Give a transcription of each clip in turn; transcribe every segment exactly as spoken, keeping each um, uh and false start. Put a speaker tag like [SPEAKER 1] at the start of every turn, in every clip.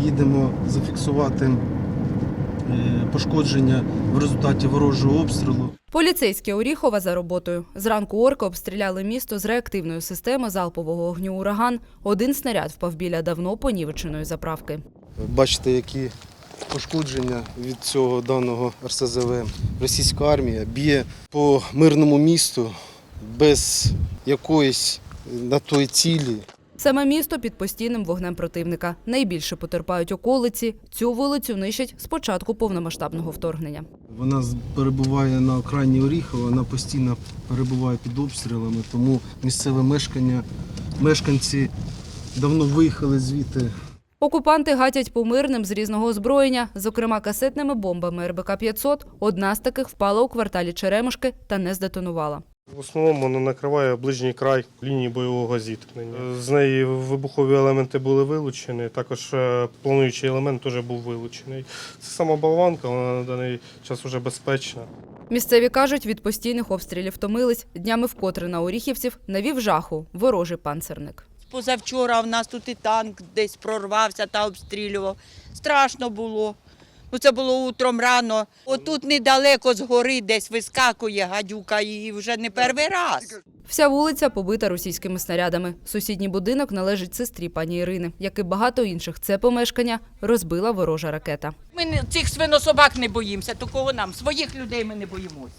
[SPEAKER 1] їдемо зафіксувати пошкодження в результаті ворожого обстрілу.
[SPEAKER 2] Поліцейські Оріхова за роботою. Зранку орки обстріляли місто з реактивної системи залпового вогню «Ураган». Один снаряд впав біля давно понівеченої заправки.
[SPEAKER 1] Бачите, які пошкодження від цього даного ер ес зе ве. Російська армія б'є по мирному місту без якоїсь на той цілі.
[SPEAKER 2] Саме місто під постійним вогнем противника. Найбільше потерпають околиці. Цю вулицю нищать з початку повномасштабного вторгнення.
[SPEAKER 1] Вона перебуває на окраїні Оріхова, вона постійно перебуває під обстрілами, тому місцеве мешкання, мешканці давно виїхали звідти.
[SPEAKER 2] Окупанти гатять по мирним з різного озброєння, зокрема касетними бомбами ер бе ка п'ятсот. Одна з таких впала у кварталі Черемушки та не здетонувала.
[SPEAKER 3] В основному вона накриває ближній край лінії бойового зіткнення. З неї вибухові елементи були вилучені, також плануючий елемент теж був вилучений. Це сама болванка, вона на даний час вже безпечна.
[SPEAKER 2] Місцеві кажуть, від постійних обстрілів втомились. Днями вкотре на оріхівців навів жаху ворожий панцерник.
[SPEAKER 4] Позавчора в нас тут і танк десь прорвався та обстрілював. Страшно було. Ну, це було утром рано. Отут недалеко з гори десь вискакує гадюка і вже не перший раз.
[SPEAKER 2] Вся вулиця побита російськими снарядами. Сусідній будинок належить сестрі пані Ірини. Як і багато інших, це помешкання розбила ворожа ракета.
[SPEAKER 4] Ми цих свинособак не боїмося, то кого нам? Своїх людей ми не боїмося.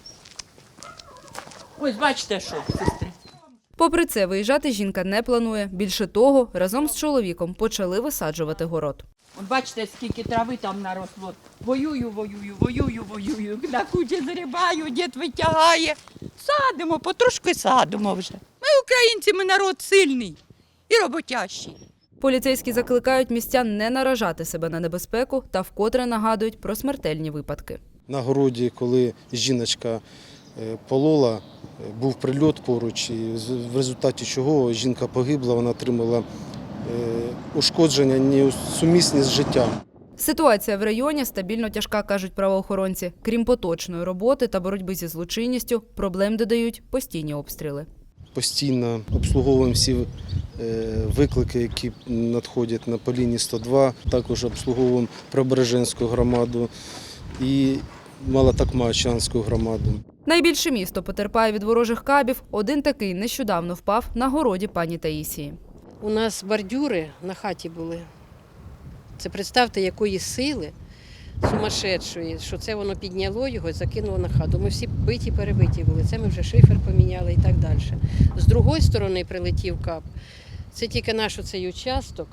[SPEAKER 4] Ось бачите, що, сестри.
[SPEAKER 2] Попри це, виїжджати жінка не планує. Більше того, разом з чоловіком почали висаджувати город.
[SPEAKER 4] От бачите, скільки трави там наросло. Воюю, воюю, воюю, воюю. На кучі зрібаю, дід витягає. Садимо, потрошки садимо вже. Ми українці, ми народ сильний і роботящий.
[SPEAKER 2] Поліцейські закликають містян не наражати себе на небезпеку та вкотре нагадують про смертельні випадки.
[SPEAKER 1] На городі, коли жіночка полола, був прильот поруч, і в результаті чого жінка погибла, вона отримала ушкодження несумісні з життям.
[SPEAKER 2] Ситуація в районі стабільно тяжка, кажуть правоохоронці. Крім поточної роботи та боротьби зі злочинністю, проблем додають постійні обстріли.
[SPEAKER 1] Постійно обслуговуємо всі виклики, які надходять на по лінії сто два. Також обслуговуємо Преображенську громаду і Малотакмачанську громаду.
[SPEAKER 2] Найбільше місто потерпає від ворожих кабів. Один такий нещодавно впав на городі пані Таїсії.
[SPEAKER 5] У нас бордюри на хаті були. Це представте, якої сили сумасшедшої, що це воно підняло його і закинуло на хату. Ми всі биті, перебиті були. Це ми вже шифер поміняли і так далі. З другої сторони прилетів кап. Це тільки наш оцей участок,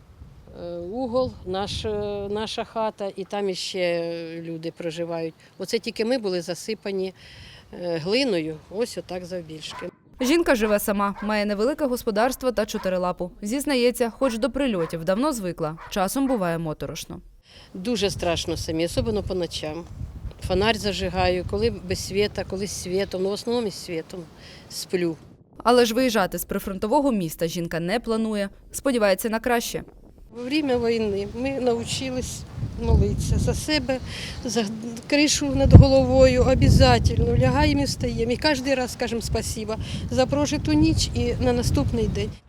[SPEAKER 5] угол, наш, наша хата, і там іще люди проживають. Оце тільки ми були засипані глиною, ось отак завбільшки.
[SPEAKER 2] Жінка живе сама, має невелике господарство та чотирилапу. Зізнається, хоч до прильотів давно звикла, часом буває моторошно.
[SPEAKER 5] Дуже страшно самі, особливо по ночам. Фонарь зажигаю, коли без світа, коли з світом, ну в основному із світом сплю.
[SPEAKER 2] Але ж виїжджати з прифронтового міста жінка не планує, сподівається на краще.
[SPEAKER 5] Во время війни ми навчились молитися за себе, за кришу над головою, обов'язково лягаємо і встаємо. І кожен раз скажемо спасибо за прожиту ніч і на наступний день.